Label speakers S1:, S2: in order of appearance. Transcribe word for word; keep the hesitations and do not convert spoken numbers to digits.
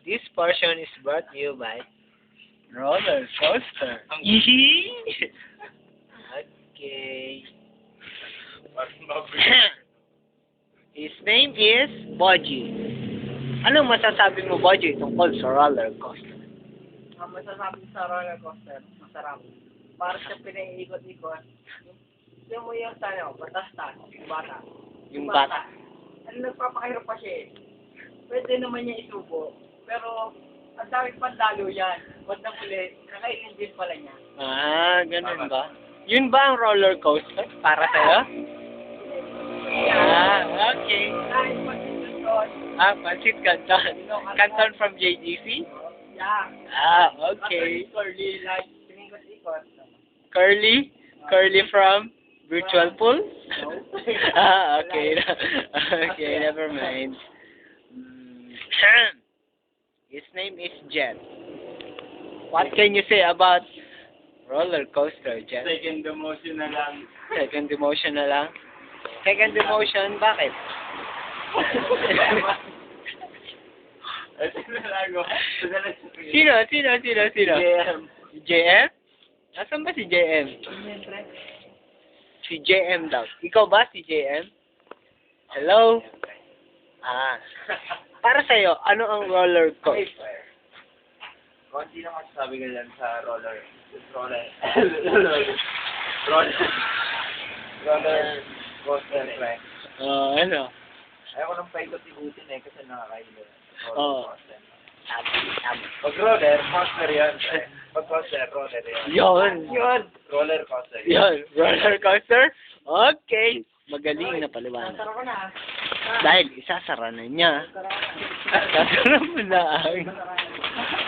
S1: This portion is brought to you by
S2: Roller coaster.
S1: Yee! Okay. His name is Boji. Anong masasabi mo, Boji, tungkol sa roller coaster?
S2: Ang masasabi sa roller coaster, masarap. Para siya pinaiikot-ikot. Yung mo yung tayo, batas-tas, yung bata.
S1: Yung bata.
S2: Ano, nagpapakahirap pa siya eh. Pwede naman niya isubo. Pero, ang daming pandalo yan. Ba't na muli, kakainin din pala niya.
S1: Ah, ganun ba? Yun ba ang roller coaster para sa'yo? Ah, okay.
S2: Kahit pag-isusun,
S1: Ah, Pansit Canton. Canton from J G C?
S2: yeah.
S1: Ah, okay.
S2: Curly, like, pinikot-ikot.
S1: Curly? Curly from Virtual Pool? Ah, okay. Okay, never mind. Mm. His name is Jet. What can you say about roller coaster, Jet?
S2: Second demotion na lang.
S1: Second demotion na lang? Second demotion, bakit?
S2: Ito na lang ako.
S1: Sino? Sino? Sino? Sino?
S2: J M.
S1: Si J M? Nasaan ba si J M?
S2: Siyempre.
S1: Si J M daw. Ikaw ba si J M? Hello? Ah. Para sa'yo, ano ang roller coaster?
S2: Konti lang masasabi ka dyan sa roller. Roller. roller. Roller coaster, pre.
S1: Ah, ano?
S2: Ayaw ko nang paikot-ikutin eh kasi nakakailo.
S1: Oo.
S2: Coaster.
S1: Sabi, sabi.
S2: Pag roller, coaster yan. pre. Pag coaster, roller yan.
S1: Yun.
S2: Yun. Roller coaster.
S1: Yun. Roller coaster? Okay. Magaling na paliwanag.
S2: Nasara ko na.
S1: Dahil isasara na niya.
S2: Nasara ko na.
S1: Sasara mo na ang...